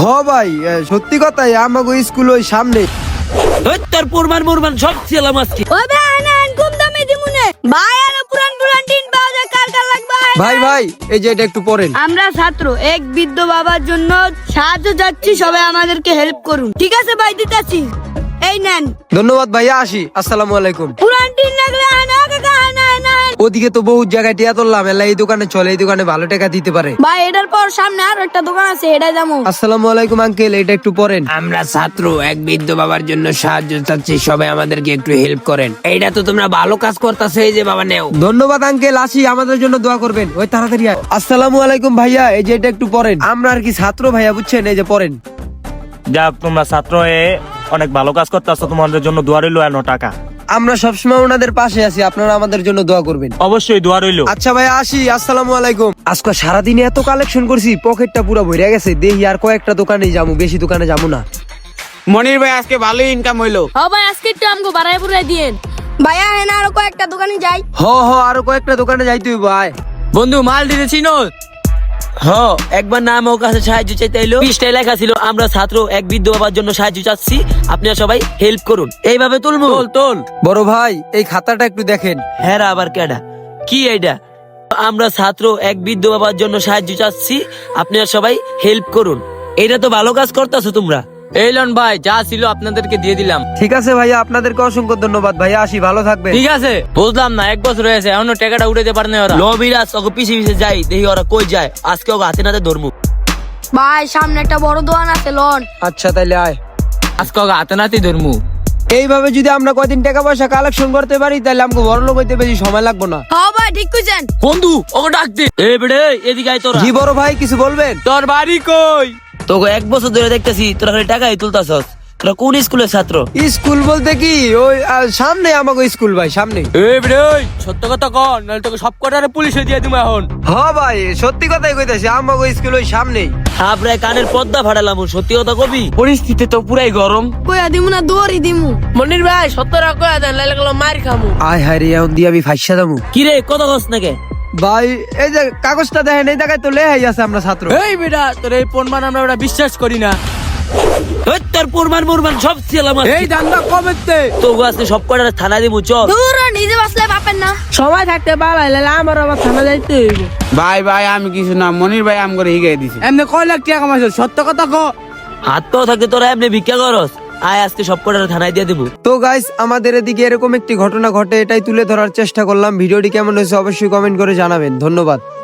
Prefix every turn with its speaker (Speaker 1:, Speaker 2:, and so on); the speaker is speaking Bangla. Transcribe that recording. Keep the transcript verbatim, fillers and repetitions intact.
Speaker 1: ভাই সত্যি কথাই আমাগো স্কুল ওই সামনে।
Speaker 2: তোর পুরমান মুরমান সব ছিলাম আজকে।
Speaker 3: ওই ভাই আনান কম দামে দিমুনে ভাই আর পুরান পুরান টিন পাওয়া যায় কার কার লাগবে
Speaker 1: ভাই ভাই এই যে এটা একটু পড়েন।
Speaker 3: আমরা ছাত্র এক বৃদ্ধ বাবার জন্য সাহায্য যাচ্ছি, সবাই আমাদেরকে হেল্প করুন। ঠিক আছে ভাই, দিতাছি, এই নেন।
Speaker 1: ধন্যবাদ ভাইয়া, আসি। আসসালামু আলাইকুম।
Speaker 3: পুরান টিন লাগলে আনা কাকা আনা আনা।
Speaker 1: ওদিকে তো বহুত জায়গায় টিয়া তুললাম, এলা এই দোকানে চলে, এই দোকানে ভালো টাকা দিতে পারে।
Speaker 3: ভাই এটার পর সামনে আর একটা দোকান আছে, এটা যাবো।
Speaker 1: আসসালামু আলাইকুম আঙ্কেল, এটা একটু পড়েন।
Speaker 2: আমরা ছাত্র এক বৃদ্ধ বাবার জন্য সাহায্য চাচ্ছি, সবাই আমাদেরকে একটু হেল্প করেন। এইটা তো তোমরা ভালো কাজ করতেছো, এই যে বাবা নেও।
Speaker 1: ধন্যবাদ আঙ্কেল, আসি, আমাদের জন্য দোয়া করবেন। ওই তাড়াতাড়ি আয়। আসসালামু আলাইকুম ভাইয়া, এই যে এটা একটু পড়েন। আমরা আর কি ছাত্র ভাইয়া, বুঝছেন, এই যে পড়েন।
Speaker 4: যাক, তোমরা ছাত্র হয়ে অনেক ভালো কাজ করতেছো, তোমাদের জন্য দোয়া রইলো। এনো টাকা।
Speaker 1: আমরা সবসময় ওনাদের পাশে আছি, আপনারা আমাদের জন্য দোয়া করবেন।
Speaker 4: অবশ্যই দোয়া রইলো।
Speaker 1: আচ্ছা ভাই, আসি। আসসালামু আলাইকুম। আজকে সারাদিনে এত কালেকশন করছি, পকেটটা পুরো ভরে গেছে। দেখি আর কয়েকটা দোকানে যাবো, বেশি দোকানে যাবো না।
Speaker 5: মনির ভাই আজকে ভালোই ইনকাম হইলো।
Speaker 3: হ ভাই আজকে একটু আমগো বাড়াই বুড়াই দিয়েন। ভাইয়া হেনা আরো কয়েকটা দোকানে যাই।
Speaker 1: হ হ আরো কয়েকটা দোকানে যাইতে হইব। ভাই
Speaker 5: বন্ধু মাল দিতে চিনো?
Speaker 2: হ, একবার নাম ওর কাছে সাহায্য চাইতে এলো, পৃষ্ঠায় লেখা ছিল আমরা ছাত্র এক বৃদ্ধ বাবার জন্য সাহায্য চাচ্ছি, আপনারা সবাই হেল্প করুন। এইভাবে তুলবো? তোল তোল।
Speaker 1: বড় ভাই এই খাতাটা একটু দেখেন।
Speaker 2: হ্যাঁ আবার কেডা কি এইটা? আমরা ছাত্র এক বৃদ্ধ বাবার জন্য সাহায্য চাচ্ছি, আপনারা সবাই হেল্প করুন। এটা তো ভালো কাজ করতেছো তোমরা।
Speaker 5: এই লন ভাই, যা ছিল আপনাদেরকে দিয়ে দিলাম।
Speaker 1: ঠিক আছে ভাইয়া, আপনাদেরকে অসংখ্য ধন্যবাদ ভাইয়া, আসি, ভালো থাকবেন।
Speaker 5: ঠিক আছে, বুঝলাম না, এক বছর হয়েছে এখনো টাকাটা উঠাতে পারে না ওরা।
Speaker 2: লবিরাজ ওকে পিছে পিছে যাই, দেখি ওরা কই যায়। আজকে ওকে হাতে নাতে ধরমু।
Speaker 3: ভাই সামনে একটা বড় দোকান আছে, লন।
Speaker 1: আচ্ছা তাইলে আয়।
Speaker 5: আজকে ওকে হাতে নাতে ধরমু।
Speaker 1: এইভাবে যদি আমরা কয়দিন টাকা পয়সা কালেকশন করতে পারি, তাহলে আমাকে বড় লোক হইতে বেশি সময় লাগবে না।
Speaker 3: হ ভাই ঠিক কইছেন।
Speaker 2: বন্ধু ওকে ডাক দে। এ বেড়ে এদিকে আয় তোরা।
Speaker 1: জি বড় ভাই, কিছু বলবেন?
Speaker 5: তোর বাড়ি কই?
Speaker 2: তোকে এক বছর ধরে দেখতেছি তোরা খালি টাকাই তুলতাছস। তোরা কোন স্কুলের ছাত্র?
Speaker 1: স্কুল বলতে কি ওই আহ, সামনে আমাকে স্কুল ভাই, সামনে।
Speaker 5: এই রে সত্য কথা কর, নাহলে তোকে সব কটারে পুলিশে দিয়ে দিমু এখন।
Speaker 1: হ ভাই সত্যি কথাই কইতাছি, আমাকে স্কুল ওই সামনেই।
Speaker 2: থাপড়ায় কানের পর্দা ফাটালাম। সত্যি কথা কবি?
Speaker 5: পরিস্থিতি তো পুরাই গরম।
Speaker 3: কইয়া দিমু না দৌড়ি দিমু।
Speaker 5: মনির ভাই সত্যরা কয়া দেন, নাহলে গেলো মার খামু।
Speaker 1: আয় হায় রে, এখন দিয়ে আমি ফাইসা দামু।
Speaker 2: কি রে কথা কস নাকি?
Speaker 1: ভাই এই যে কাগজটা দেখেন, এই জায়গায় তো লেহাই আছে আমরা ছাত্র।
Speaker 5: এই বেটা, তোর এই প্রমাণ আমরা ওটা বিশ্বাস করি না।
Speaker 2: ওই তোর পুরমান মুরমান সব ছিলাম আজকে।
Speaker 5: এই দান্দা কবেতে
Speaker 2: তোকে আজকে সব কটারে থানা দিমু, চল।
Speaker 3: দূর নিজে বাসলে পাবেন না।
Speaker 5: সময় থাকতে পারলে আমার আবার থানা যাইতে হইব।
Speaker 6: ভাই ভাই আমি কিছু না, মনির ভাই আম করে হিগাই দিছে।
Speaker 5: এমনি কয় লাখ টাকা কামাইছ, সত্য কথা কো।
Speaker 2: হাত পাও থাকতে তোরা এমনি ভিক্ষা করস। আয় আজকে সব কটারে থানায় দিয়ে দেবো।
Speaker 1: তো গাইস, আমাদের এদিকে এরকম একটি ঘটনা ঘটে, এটাই তুলে ধরার চেষ্টা করলাম। ভিডিওটি কেমন হয়েছে অবশ্যই কমেন্ট করে জানাবেন। ধন্যবাদ।